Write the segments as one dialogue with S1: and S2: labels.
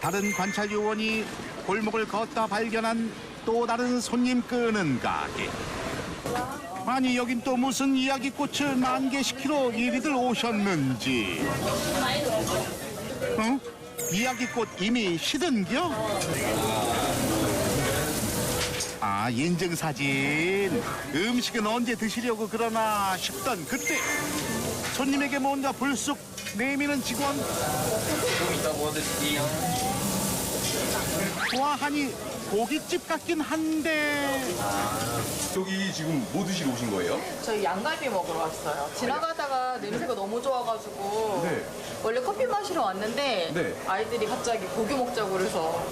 S1: 다른 관찰 요원이 골목을 걷다 발견한 또 다른 손님 끄는 가게. 아니 여긴 또 무슨 이야기꽃을 만개시키러 이리들 오셨는지. 어? 이야기꽃 이미 시든겨? 아, 인증사진. 음식은 언제 드시려고 그러나 싶던 그때 손님에게 뭔가 불쑥 내미는 직원.
S2: 좀 이따 구워드릴게요.
S1: 와 하니 고깃집 같긴 한데.
S3: 여기 지금 뭐 드시러 오신 거예요?
S4: 저희 양갈비 먹으러 왔어요. 지나가다가 냄새가 너무 좋아가지고
S3: 네.
S4: 원래 커피 마시러 왔는데
S3: 네.
S4: 아이들이 갑자기 고기 먹자고 그래서.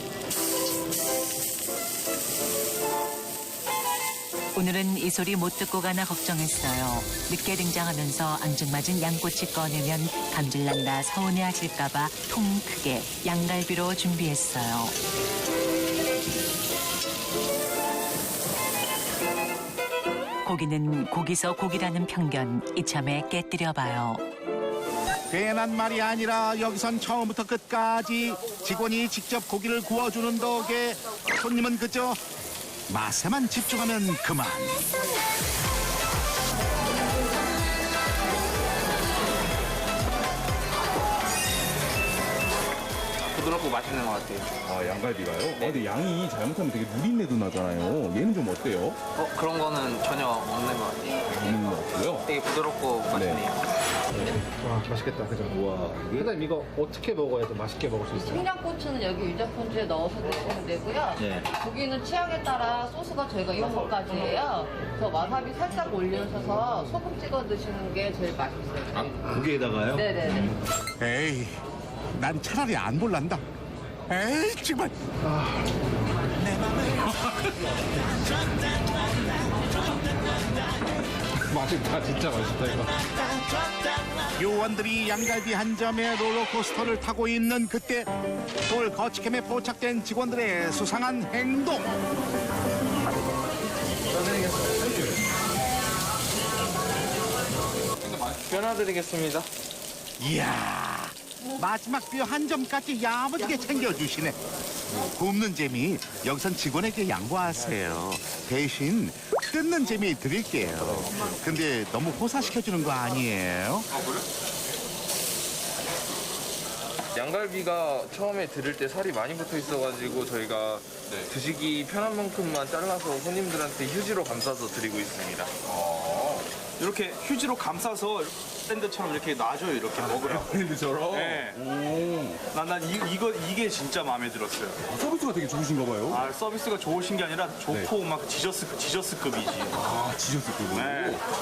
S5: 오늘은 이 소리 못 듣고 가나 걱정했어요. 늦게 등장하면서 앙증맞은 양꼬치 꺼내면 감질난다 서운해하실까봐 통 크게 양갈비로 준비했어요. 고기는 고기서 고기라는 편견 이참에 깨뜨려봐요.
S1: 괜한 말이 아니라 여기선 처음부터 끝까지 직원이 직접 고기를 구워주는 덕에 손님은 그저 맛에만 집중하면 그만.
S2: 부드럽고 맛있는 것 같아요.
S3: 아, 양갈비가요? 아, 근데 양이 잘못하면 되게 누린내도 나잖아요. 얘는 좀 어때요?
S2: 그런 거는 전혀 없는 것 같아요.
S3: 없는 것 같고요.
S2: 되게 부드럽고 맛있네요.
S6: 와 맛있겠다 그죠?
S3: 우와, 이게
S6: 사장님 이거 어떻게 먹어야 더 맛있게 먹을 수 있어요?
S4: 청양고추는 여기 유자폰주에 넣어서 드시면 되고요.
S3: 네.
S4: 고기는 취향에 따라 소스가 저희가 6가지예요. 그래서 와사비 살짝 올려셔서 소금 찍어 드시는 게 제일 맛있어요.
S3: 고기에다가요?
S4: 네네네.
S1: 에이, 난 차라리 안 볼란다. 에이, 정말.
S6: 맛있다 진짜 맛있다 이거.
S1: 요원들이 양갈비 한 점에 롤러코스터를 타고 있는 그때 서울 거치캠에 포착된 직원들의 수상한 행동.
S2: 변화드리겠습니다.
S1: 이야, 마지막 뼈 한 점까지 야무지게 챙겨주시네. 굽는 재미 여기선 직원에게 양보하세요. 대신 뜯는 재미 드릴게요. 근데 너무 호사시켜주는 거 아니에요?
S2: 양갈비가 처음에 들을 때 살이 많이 붙어 있어가지고 저희가 드시기 편한 만큼만 잘라서 손님들한테 휴지로 감싸서 드리고 있습니다.
S7: 이렇게 휴지로 감싸서 샌드처럼 이렇게 놔줘요. 이렇게 먹으라고.
S3: 브랜드처럼?
S7: 네.
S3: 오.
S7: 난 이게 진짜 마음에 들었어요.
S3: 서비스가 되게 좋으신가 봐요.
S7: 아, 서비스가 좋으신 게 아니라 좋고 막 지저스급이지.
S3: 아, 지셨을 거고.
S7: 네.